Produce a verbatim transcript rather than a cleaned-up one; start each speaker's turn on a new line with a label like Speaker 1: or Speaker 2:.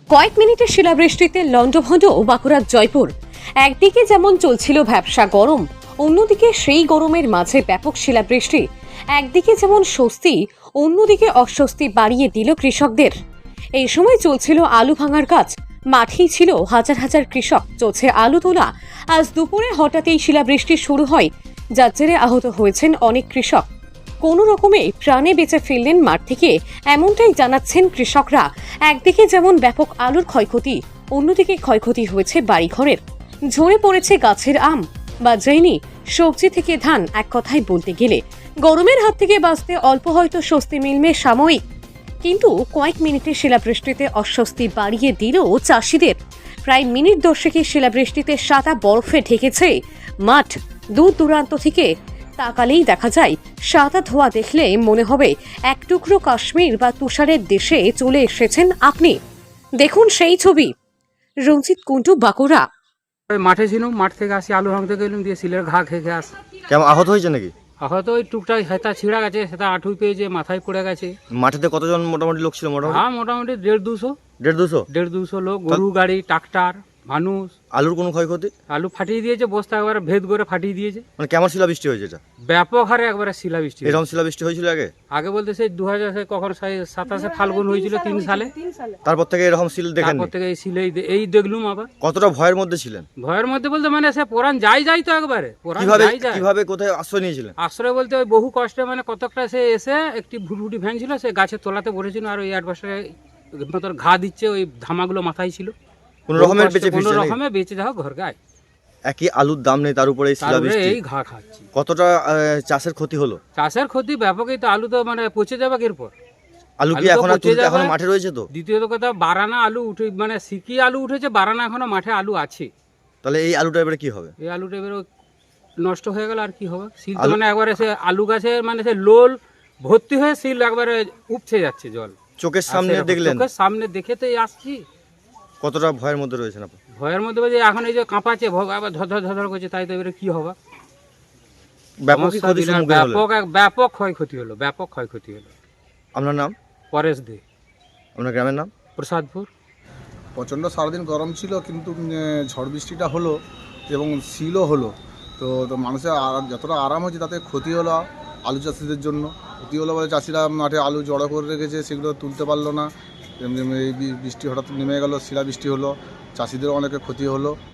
Speaker 1: কয়েক মিনিটের শিলাবৃষ্টিতে লন্ডভন্ড বাঁকুড়ার জয়পুর। একদিকে যেমন চলছিল ভ্যাপসা গরম, অন্যদিকে সেই গরমের মাঝে ব্যাপক শিলাবৃষ্টি। একদিকে যেমন স্বস্তি, অন্যদিকে অস্বস্তি বাড়িয়ে দিল কৃষকদের। এই সময় চলছিল আলু ভাঙার কাজ। মাঠেই ছিল হাজার হাজার কৃষক, চলছে আলু তোলা। আজ দুপুরে হঠাৎই শিলাবৃষ্টি শুরু হয়, যার জেরে আহত হয়েছেন অনেক কৃষক। কোনো রকমে প্রাণে বেঁচে ফিরলেন মাঠ থেকে, এমনটাই জানাচ্ছেন কৃষকরা। একদিকে যেমন ব্যাপক আলুর ক্ষয়ক্ষতি, অন্যদিকে ক্ষয়ক্ষতি হয়েছে বাড়িঘরের। ঝরে পড়েছে গাছের আম, বাজায়নি সবজি থেকে ধান। এক কথায় বলতে গেলে গরমের হাত থেকে বাঁচতে অল্প হয়তো স্বস্তি মিলবে সাময়িক, কিন্তু কয়েক মিনিটের শিলাবৃষ্টিতে অস্বস্তি বাড়িয়ে দিল চাষিদের। প্রায় মিনিট দশেকের শিলাবৃষ্টিতে সাদা বরফে ঢেকেছে মাঠ। দূর দূরান্ত থেকে তাকালেই দেখা যায় সাদা ধোঁয়া। দেখলে মনে হবে এক টুকরো কাশ্মীর বা তুষারের দেশে চলে এসেছেন আপনি। দেখুন সেই ছবি। রঞ্জিত কুন্টু, বাঁকুড়া।
Speaker 2: ওই মাঠে ছিলাম, মাঠ থেকে আসি আলু ভাঙতে গেলাম, দিয়ে সিলের ঘা খেয়ে আসি।
Speaker 3: কেমন আহত হয়েছে নাকি?
Speaker 2: হয়তো ওই টুকটাক হেতা ছিঁড়া গেছে, সেটা আঁঠুই পেয়েছে, মাথায় পড়ে গেছে।
Speaker 3: মাঠেতে কতজন মোটামুটি লোক ছিল? মোটামুটি
Speaker 2: হ্যাঁ, মোটামুটি দেড় দুশো
Speaker 3: দেড় দুশো
Speaker 2: দেড় দুশো লোক, গরু গাড়ি, ট্রাক্টর, মানুষ।
Speaker 3: আলুর কোনো ক্ষয়ক্ষতি?
Speaker 2: আলু ফাটিয়ে দিয়েছে, বস্তা একবারে ভেদ করে ফাটিয়ে দিয়েছে।
Speaker 3: মানে কেমন শিলাবৃষ্টি হয়েছে এটা?
Speaker 2: ব্যাপক হারে একবারে শিলাবৃষ্টি।
Speaker 3: এরকম শিলাবৃষ্টি হয়েছিল আগে?
Speaker 2: আগে বলতে সেই দু হাজার কখন সাতাশে ফাল্গুন হয়েছিল, তিন সালে।
Speaker 3: তারপর থেকে এরকম শিল দেখেন?
Speaker 2: তারপর থেকে এই শিলেই এই দেখলুম আবার।
Speaker 3: কতটা ভয়ের মধ্যে ছিলেন?
Speaker 2: ভয়ের মধ্যে বলতে মানে সে পোড়ান যাই যাই তো একবারে পোড়ান
Speaker 3: কিভাবে
Speaker 2: যাই যায়।
Speaker 3: কিভাবে কোথায় আশ্রয় নিয়েছিলেন?
Speaker 2: আশ্রয় বলতে ওই বহু কষ্টে, মানে কতকটা সে এসে একটি ভুটভুটি ভ্যান ছিল, সে গাছের তলাতে বসেছিল, আর ওই অ্যাডভার্সে তোর ঘা দিচ্ছে, ওই ধামাগুলো মাথায় ছিল।
Speaker 3: কোন রকমের বেঁচে
Speaker 2: কোনো
Speaker 3: ফিরছেন?
Speaker 2: রকমে বেঁচে যাও ঘর গায়ে।
Speaker 3: একই আলুর দাম নেই, তার উপরে এই
Speaker 2: তারপরে
Speaker 3: শিলাবৃষ্টি।
Speaker 2: এই ঘা খাচ্ছি।
Speaker 3: কতটা আহ, চাষের ক্ষতি হলো?
Speaker 2: চাষের ক্ষতি ব্যাপকই তো। আলু তো মানে পচে যাবে এরপর।
Speaker 3: আলু কি
Speaker 2: আলু তো
Speaker 3: এখন আর
Speaker 2: পচে
Speaker 3: তুলতে
Speaker 2: যাবে।
Speaker 3: এখনো মাঠে রয়েছে তো?
Speaker 2: দ্বিতীয়ত কথা, বারানা আলু উঠে, মানে সিকি আলু উঠেছে, বারানা এখনো মাঠে আলু আছে।
Speaker 3: তাহলে এই আলুটা এবারে কি হবে?
Speaker 2: এই আলুটা এবারে নষ্ট হয়ে গেল, আর কি হবে? সিল তো
Speaker 3: আলু-
Speaker 2: মানে একবারে সে আলু গাছে মানে সে লোল ভর্তি হয়ে সিল একবারে উপচে যাচ্ছে জল।
Speaker 3: চোখের সামনে
Speaker 2: আর সেরকম
Speaker 3: দেখলেন?
Speaker 2: চোখের সামনে দেখে তো এই আসছি।
Speaker 3: কতটা ভয়ের মধ্যে রয়েছেন আপনি?
Speaker 2: ভয়ের মধ্যে বলছে এখন এই যে কাঁপাচ্ছে, ভোগ আবার ধর ধর ধর করছে, তাই তো এবারে কি হবে?
Speaker 3: ব্যাপক
Speaker 2: সমস্যা
Speaker 3: ক্ষতির
Speaker 2: বিরাট,
Speaker 3: সম্মুখীন হলেন।
Speaker 2: ব্যাপক এক- ব্যাপক ক্ষয়ক্ষতি হলো, ব্যাপক ক্ষয়ক্ষতি হলো।
Speaker 3: আপনার নাম?
Speaker 2: পরেশ দে,
Speaker 3: আপনার গ্রামের নাম?
Speaker 2: প্রসাদপুর।
Speaker 4: প্রচণ্ড সারাদিন গরম ছিল, কিন্তু উম, ঝড় বৃষ্টিটা হলো এবং শিলও হলো, তো তো মানুষের আর- যতটা আরাম হয়েছে তাতে ক্ষতি হলো আলু চাষিদের জন্য। ক্ষতি হলো বলে চাষিরা মাঠে আলু জড়ো করে রেখেছে, সেগুলো তুলতে পারলো না। এমনি এই বি- বৃষ্টি হঠাৎ নেমে গেল, শিলাবৃষ্টি হলো, চাষিদেরও অনেকের ক্ষতি হলো।